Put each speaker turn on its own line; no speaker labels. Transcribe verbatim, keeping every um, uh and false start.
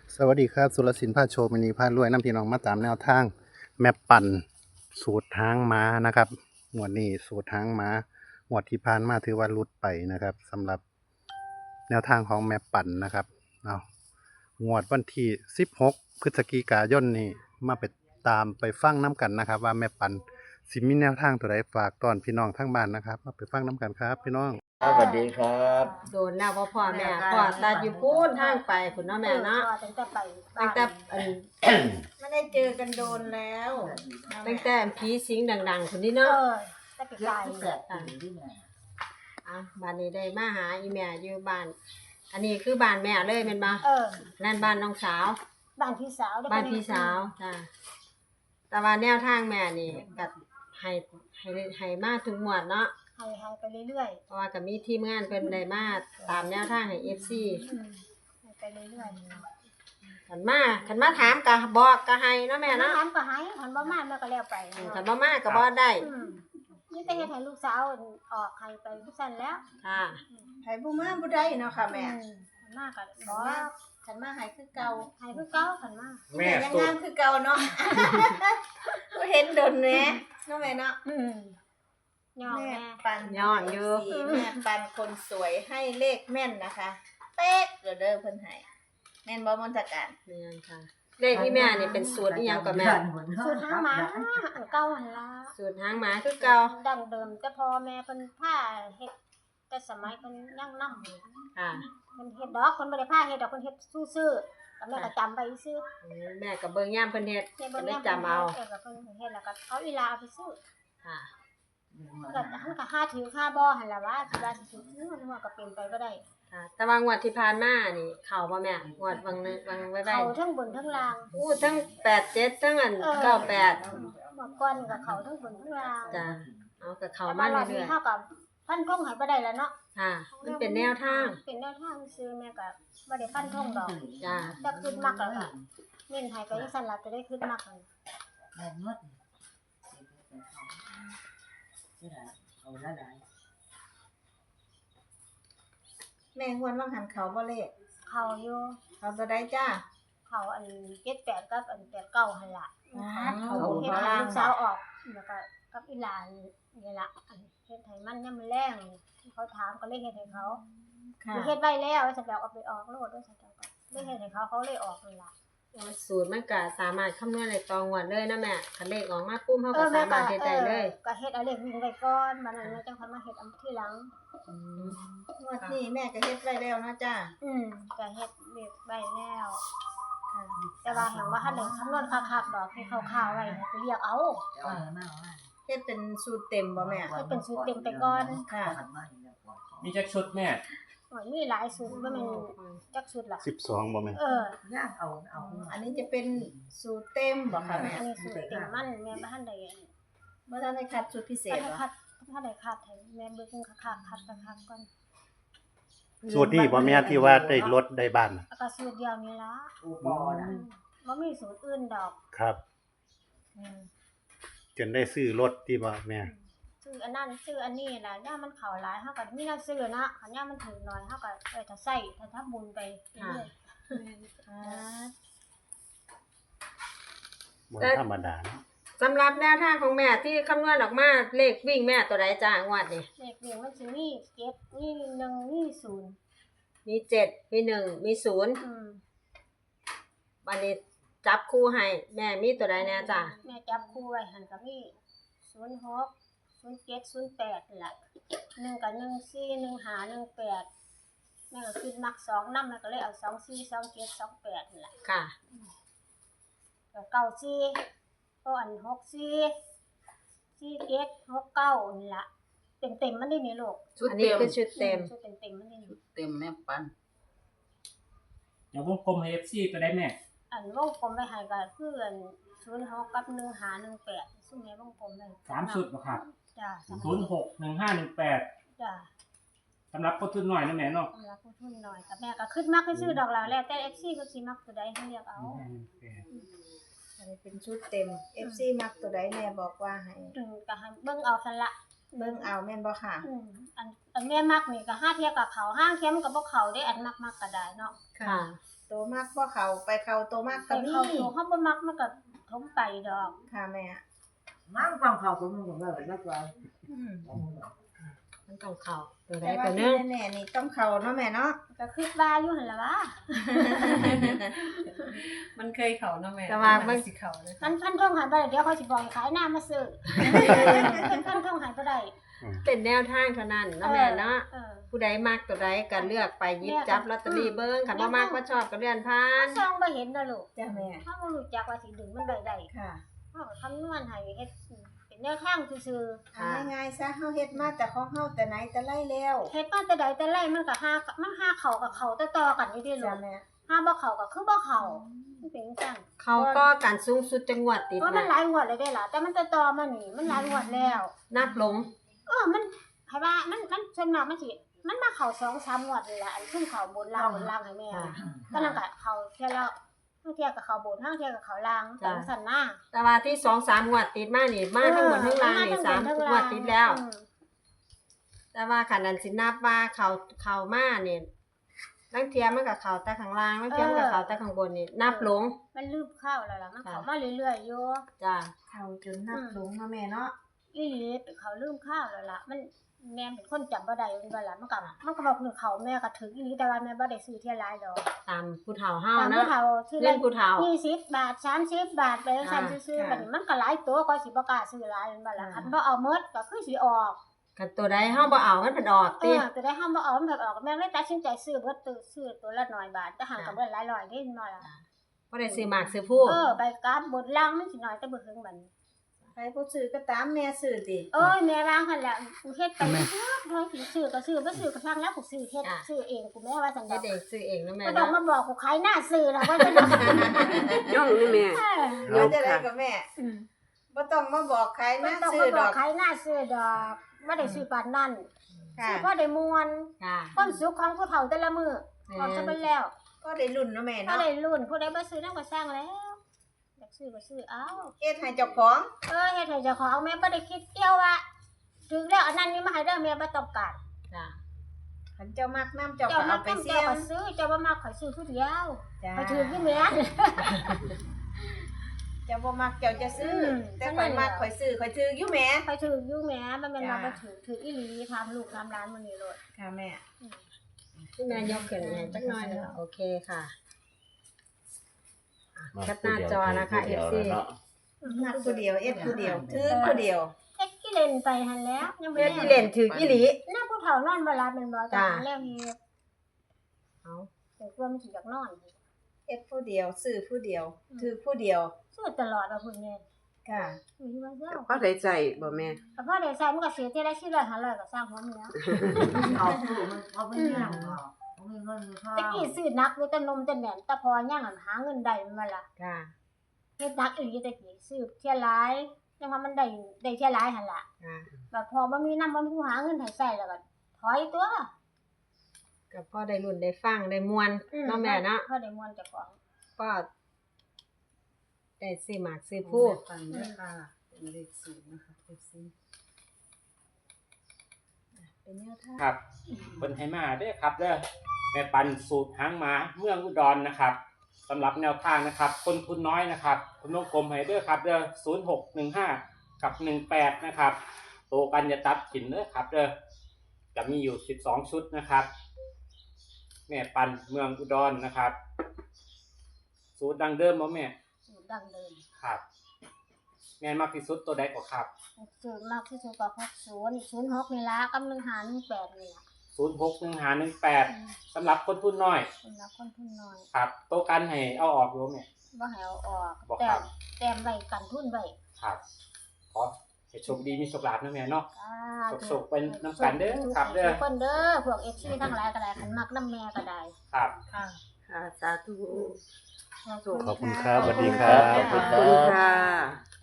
สวัสดีครับสุรศิลป์พาโชว์มินีพารวยน้ำพี่น้องมาตามแนวทางแม่ปั่นสูตรหางม้านะครับงวดนี้สูตรหางม้างวดที่ผ่านมาถือว่าหลุดไปนะครับสำหรับแนวทางของแม่ปั่นนะครับเอางวดวันที่สิบหกพฤศจิกายนนี้มาไปตามไปฟังน้ำกันนะครับ ว่าแม่ปั่นสิมีแนวทางตัวใดฝากตอนพี่น้องทั้งบ้านนะครับมาไปฟังน้ำกันครับพี่น้อง
ครับสวัสดีครับ
โดนแล้วพ่อพ่อแม่พ่อตัดอยู่พูนทางไปคุณเนาะแม่เนาะ
ตั้งแต่ไป
ตั้งแต่อัน
ไม่ได้เจอกันโดนแล้ว
ตั้งแต่ผีสิงดังๆคนนี้
เอ
เนาะ
อตั้งแต่ไกล
อ่ะบ้านนี้ได้มาหาอีแม่อยู่บ้าน อันนี้คือบ้านแม่เลยเป็นบ่
เออ
นั่นบ้านน้องสาว
บ้านพี่สาว
บ้านพี่สาวจ้ะแต่ว่าแนวทางแม่นี่ก็ให้ให้ให้มาทุกหมวดเนาะ
ให้ให้ไปเรื่อย
เพราะว่าก็มีทีมงานเพิ่นได้มาตามแนวทางให้ เอฟ ซี
ๆอืมให้ไปเรื่อย
คันมาคันมาถามก็บอกก็ให้เนาะ
ๆ
แม่
น้
เนาะ
ำก็ให้หันบ่มาแม่ก็แล้วไป
อืมคันบ่มาก็บ่ได้
อืมนี่แต่เฮ็ดให้ลูกสาวออกให้ไปผู้ซั่นแล้ว
ค่ะ
ไผบ่มาบ่ได้เนาะค่ะแม่
อืหันมาก็
ขัน
บ่
มาขันมาหายคือเก่า
ให้คือเก่าหันมา
แม่
ยัง
สุด
งามคือเก่าเนาะ บ่เห็นดนแหน่เนาะแม่เนาะ
อืมย่อ
แม่
แม่
ปัน
ย้อนอยู่
สีแม่ปันคนสวยให้เลขแม่นนะคะ เป๊ะเด้อเด้อเพิ่นให้แม่นบ่มนตการ
แม่นค่ะเลขที่แม่นี่เป็นสูตรอีหยังก็แม่
สูตรหางหมาอันเก่าหันละ
สูตรหางหมาคือเก่า
ดั้งเดิมแต่พอแม่เพิ่นพาเฮ็ดแต่สมัยเพิ่นยังนำ
ค่ะ
เพิ่นเฮ็ดดอกเพิ่นบ่ได้พาเฮ็ดดอกเพิ่นเฮ็ดซื่อๆก็แม่ก็จำไปซื่อ
อืมแม่ก็เบิ่งย่ามเพิ่นเฮ็ด
เฮ็ด
ก็
บ่
ได้
ได้
จำเอา
เออก็เพิ่นเฮ็ดแล้วก็เอาอีหลาเอาไปซื้อ
ค่ะ
ก็หันก็หาถือค่าบ่หั่นล่ะว่าสิว่าสิถือมันว่าก็เป็นไปบ่ได้
ค่ะแต่ว่างวดที่ผ่านมานี่เข้าบ่แม่งวดวังนึงวังไว้ไว้
เขาทั้งบนทั้งล่าง
อู้ทั้งแปดเจ็ดทั้งอัน
เออ
เก้าแปด
เมื่อก่อนก็เขาทั้งบนทั้งล่าง
จ้ะเอาก็เข้า
แต่
มา
ว่ารอบ
เรื่
นี้
อย
เฮาก็ฟันธงให้บ่ได้แล้วเนาะ
ๆค่ะมันเป็นแนวทาง
เป็นแนวทางซื่อแม่ก็บ่ได้ฟันธงดอก
จ้ะ
แต่ขึ้นมักแล้วก็เน้นให้ไปจังซั่นล่ะจะได้ขึ้นมักนั่น
แม่ฮวนว่างหันเขาบ่เลข
เขาอยู่
เขาตัวใดจ้า
เขาอันเจ็ดแปดกับอันแปดเก้าหั่นล่ะ
เขา
เขา
บน
เฮ็ด
เขา
ให้
ล่าง
ลูกสาวออกแล้วก็กับอีหลานนี่ล่ะอันเฮ็ดให้มันยามมื้อแลงที่เขาถามก็เลยเฮ็ดให้เขา
ค่ะ
เฮ็ดไว้แล้วว่าจะแบบเอาไปออกโลดว่าจะแบบเลยเฮ็ดให้เขาเขาเลยออกนี่ล่ะ
สูตรมันก็สามารถคำนวณได้ตรงวันเลยนะแม่คันเลขออกมาปุ๊บเฮาก็สามารถเฮ็ดได้เลย
ก็เฮ็ดเอาเลขวิ่งไว้ก่อนบัดนั้นแม่จังค่อยมาเฮ็ดอันทีหลัง
งวดนี้แม่ก็เฮ็ดไว้แล้วนะจ้า
อืมก็เฮ็ดเลขไว้แล้วแต่ว่าแห่งว่าถ้าได้คำนวณคักๆดอกให้คร่าวๆไว้ให้ไปเรียกเอา
เฮ็ดเป็นสูตรเต็มบ่แม่
ให้เป็นสูตรเต็มไปก่อน
ค่ะ
มีจักชุดแม่
โอ้ยมีหลายสูตรบ่แม่นจักสูตรล่ะ
สิบสองบ่แม่น
เออ
อันนี้จะเป็นสูตรเต็มบ่ค่ะแม่
อันนี้สูตรเต็มมันแม่บ่ทันได้
เมื่อท่านได้คัดสูตรพิเศ
คั
ษ
ด
เหรอ
คัดถ้าได้คัดให้แม่เบิ่งคักๆคัดคักๆก่อน
สูตรนี้บ่แม่นที่ว่าได้รถได้บ้านน่ะ
แล้วก็สูตรเดียวนี่ล่ะบ่มีสูตรอื่นดอก
ครับ
อืม
จนได้ซื้อรถที่บ่แม่
ซื้ออันนั้นซื้ออันนี้ล่ะย่ามมันเข้าหลายเฮาก็มีแนวซื้อนะคันย่ามมันถึงน้อยเฮาก็เออถ้าใช้ถ้าทำบุญไปเรื่อย
อ่า
บ่ธรรมดาเนาะ
สำหรับแนวทางของแม่ที่คำนวณออกมาเลขวิ่งแม่ตัวใดจ้างวดนี่
ๆเลขเรียงมันสิมีเจ็ดมีหนึ่งมีศูนย์
มีเจ็ดมีหนึ่งมีศูนย์
อืม
วันนี้จับคู่ให้แม่มีตัวใดแน่จ้ะ
แม่จับคู่ไว้หั่นก็มีศูนย์หก ศูนย์เจ็ด ศูนย์แปดนั่นล่ะหนึ่งกับหนึ่งสี่ หนึ่งห้า หนึ่งแปดแม่ก็คิดมักสองนำแม่ก็เลยเอาสองสี่ สองเจ็ด สองแปดนั่นล่ะ
ค่ะ
ก็เก้าสี่ก็อันหกสี่ สี่เจ็ด หกเก้านี่ล่ะเต็มๆมันได้นี่ลูก
อันนี้คือชุดเต็ม
ชุดเต็มๆมันได้นี่
เต็มแม่ปัน
เดี๋ยววงกลมให้ เอฟ ซี ตัวได้แม่
อันวงกลมไว้ให้ก็คืออันศูนย์หกกับหนึ่งห้า หนึ่งแปดซึ่งแม่วงกลมไว้
สามชุดบ่ครับ
จ้ะ
ศูนย์หก หนึ่งห้า หนึ่งแปด
จ้ะ
สำหรับคนทุนหน่อยนะแม่เนาะ
สำหรับผู้ทุนหน่อยกับแม่ก็ขึ้นมักให้ซื้อดอกแล้วแล้วแต่ เอฟ ซี ก็สิมักตัวใดให้เลือกเอา
อันนี้เป็นชุดเต็ม เอฟ ซี มักตัวใดแม่บอกว่าให้
ถึงก็ให้เบิ่งเอาซั่นละ
เบิ่งเอาแม่นบ่ค่ะ
อืมอันอันแม่มักนี่ก็ห้าเทียกับเขาห้างเทียมนก็บ่เข้าได้อันมักมักก็ได้เนาะ
ค่ะ
ตัวมากบ่เข้าไปเข้าตัวมาก
ก็
ก็มี
เข้าตัวเฮาบ่มักมันก็ทมไปดอก
ค่ะแม่
มั่งฟังเขาผมผมเลยนักว่า
อืม
มันต้องเข้าตัวใด
แต่ว่า
ตัวหนึ
ที่
ง
แน่ๆนี่ต้องเข้าเนาะแม่เนาะ
ก็คิดว่าอยู่หั่นล่ะวะ
มันเคยเขาเนาะแม่
แต่ว่ามัน
สิเขาเลย
มันพันท่องหายไปเดี๋ยวเขาสิบอกให้ขายหน้ามาซื้อพันท่องหายบ่ได้
เป็นแนวทางเท่านั้นเนาะแม่เนาะ
เออ
ผู้ใดมักตัวใดก็เลือกไปหยิบจับลอตเตอรี่เบิ่งคันบ่มักบ่ชอบก็เลื่อนผ่าน
ซองบ่เห็นนะลูก
จ้ะแม่
ถ้าบ่รู้จักว่าสิดึงมันได้ได้
ค่ะ
เฮาก็คำนวณให้เฮ็ดเป็นแนวทางซื่อ
เอาง่ายๆซะเฮาเฮ็ดมาแต่ของเฮาแต่ไหนแต่ไรแล้ว
ๆเฮ็ดมาแต่ใดแต่ไรมันก็หามันหาเข้ากับเข้าต่อๆกันอยู่ที่ลู
จ้ะ
ก
แม่
หาบ่เข้าก็คือบ่เข้ามันเป็นจัง
เขาก็การสูงสุดจังหวัดติด
เพราะมัน
นะ
หลายงวดเลยได้ล่ะแต่มันต่อๆมานี่มันหลายงวดแล้ว
นับลง
เออมันให้ว่ามันมันส่วนมากมันสิมันมาเข้าสองสามงวดนี่ล่ะอันขึ้นเข้าบนล่างบนล่างให้แม่
ค่ะ
ก็นั่นก็เข้าเที่ยละบางเที่ยก็เข้าบนบางเที่ยก็เข้าล่างแต่ว่าสั่นหน้า
แต่ว่าที่สองสามงวดติดมานี่มาทั้งหมดทั้งล่างนี่สามงวดติดแล้ว แต่ว่าขันนั้นสินับว่าเขาเขามาเนี่ยลังเทียมันกับเขาแต่ข้างล่างลังเทียมันกับเขาแต่ข้างบนนี่นับลง
มันลืมเข้าแล้วล่ะมัน
ค่ะ
เข้ามาเรื่อยๆอยู่
จ้า
เข้าจนนับลงเนาะแม่เนาะ
อีหลีเขาลืมเข้าแล้วล่ะมันแม่เป็นคนจำบ่ได้มันว่าล่ะมันก็มันก็บอกหนึ่งเขาแม่ก็ถึงอีหลีแต่ว่าแม่บ่ได้ซื้อเที่ยหลายดอก
ตามผู้เฒ่าเฮา
ตาม
นะ
ผู้เฒ่าที่
เล่นผู้เฒ่า
ยี่สิบบาทสามสิบบาทไปจังซั่นซื่อๆบัดนี้มันก็หลายตัวก็สิบ่กล้าซื้อหลายแม่นบ่ล่ะคันบ่เอาหมดก็คือสิออก
กันตัวใดเฮาบ่เอามันเป็นออก
เอ
ติ
อจะได้ห้ามบ่เอามันแบบออกแม่เลยตัดสินใจซื้อเบิดตัวซื้อตัวละน้อยบาทแต่ห่างกับเบิดหลายร้อยเด้น้อยล่ะ
บ่ได้ซื้อหมากซื้อผู้
เออใบกราฟบนล่างมันสิน้อยแต่บ่ถึงบัดนี้
ใครบ่ซื้อก็ตามแม่ซื้อติ
เอ้ยแม่วางหั่นแหละกูเฮ็ดไปเฮ็ดเฮ้ยสิซื้อก็ซื้อบ่ซื้อก็ช่างแล้วกูซื้อเฮ็ดซื้อเองกูแม่ว่าจัง
เฮ็
ได๋
ดเองซื้อเองนะแม่
ก็ต้อง
เนาะ
มาบอกกูขายหน้าซื้อแล้วว่าจะได้
ย่องนี่แม่
เดี๋ยวจะได้กับแม่
อืม
บ่ต้องมาบอกใคร
ไม่
นะ
ต้อง
ซื้อ
มาบ
ด
อ
อก ก
ขายหน้าซื้อดอกบ่ได้ซื้อปานนั้น
ค่ะ
ซื้อพอได้ม่วน
ค่ะ
ความสุขของผู้เฒ่าแต่ละมื้อพอจะเป็นแล้ว
ก็ได้รุ่นเนาะแม่
ก็
เนาะ
ได้รุ่นผู้ใดบ่ซื้อนำก็สร้างแล้วอยากซื้อก็ซื้อเอา
เฮ็ดให้เจ้าของ
เออเฮ็ดให้เจ้าของแม่บ่ได้คิดเกี่ยวว่าถึงแล้วอันนั้นนี่มาให้เด้อแม่บ่ต้องการ
จ้า
คันเจ้ามักน้ำเจ้า
เจ้า
ก็
มา
เอาไป
ต้อง
เสี่
เจ้าย
ง
ก็ซื้อเจ้าบ่มาข่อยซื้อผู้เดียว
จ้า
ข่อยถือที่แม่น
เจ้าบ่มักเจ้าจะซื้ออ
ม
แต่ข่อยมักข่อยซื้อข่อยถืออยู่แหม
ข่อยถืออยู่แม่มันแม่นว่า
จ้า
บ่ถือถืออีหลีทำลูกทำร้านมื้อนี้โลด
ค่ะแม่
ที่แม่ยกขึ้นให้จักหน่อยหนึงโอเคค่ะอ่ะแคปหน้าจอนะคะ เอฟ ซี
มักผู้เดียวเอ็ดผู้เดียวถือผู้เดียว
เฮ็ดกี่เล่นไปหั่นแล้วยังบ่
เฮ็ด
ได้
ที่เล่นถืออีหลี
หน้าผู้เฒ่านอนบ่หลับแม่นบ่จ้า
จ้า
แล้วเฮ็ด
เอา
แต่กลัวมันสิอยากนอน
เอ็ดผู้เดียวซื้อผู้เดียวถือผู้เดียว
ซื้อตลอดว่าพุ่นแม่
ค่ะ
มีว่าเจ้า
ก็ได้ใจบ่แม่
ก็พอได้ใช้มันก็เสียเท่าละสี่ร้อยห้าร้อยก็สร้างหัวมันแล้ว
เอาตู้มันเอาไปย่างเอาเอาเงินมีข้าว
ตะกี้ซื้อนักอยู่แต่นมแต่แหนนแต่พอย่างหันหาเงินได้มันมาละ
ค่ะ
เฮ็ดนักอีหลีตะกี้ซื้อเที่ยหลายยังว่ามันได้ได้เที่ยหลายหั่นล่ะ
ค่ะ
แบบพอบ่มีนำบ่มีผู้หาเงินให้ใช้แล้วก็ถอยตัว
ก็พอได้รุ่นได้ฟังได้มวนเนาะแม่เนาะ
พอได้มวนเจ้าของ
ก็ได้ซื้อหมากซื้อผู้
ฟังด้วยค่ะเป็นเลขศูนย์นะคะ เอฟ ซี
เป็นแนวทาง
ครับเพิ่นให้มาเด้อครับเด้อแม่ปันสูตรหางหมาเมืองอุดรนะครับสำหรับแนวทางนะครับคนทุนน้อยนะครับคุณวงกลมให้เด้อครับเด้อศูนย์หกหนึ่งห้ากับหนึ่งแปดนะครับโตกันจะตัดกินเด้อครับเด้อจะมีอยู่สิบสองชุดนะครับแม่ปันเมืองอุดรนะครับ สูตรดังเดิมบ่แม่
สูตรดั้งเดิม
ครับ แม่นมากที่สุดตัวใดกว่าครับ
สูตรมากที่สุดก็หกสิบ ศูนย์หกนี่ล่ะกับหนึ่งห้า หนึ่งแปดนี่ล่ะ
ศูนย์หกหนึ่งห้าหนึ่งแปดสำหรับคนทุนน้อย
สำหรับคนทุนน้อย
ครับโตกันให้เอาออกรู้ไหม
บ่ให้เอาออก
บ่
แต่
ครับ
แต้มไว้กันทุนไว้
ครับขอให้โชคดีมีโชคลาภนะแม่เนาะ
อ่า
สุขๆเป็นน้ำกันเด้อครับเด้อ
ทุกคนเด้อพวก เอฟ ซี ทั้งหลายก็ได้คันมักน้ำแม่ก็ได้
ครับ
ค่ะ
ค่ะสาธุ
ขอบคุณครับสวัสดีครับ
ขอบคุณค่ะ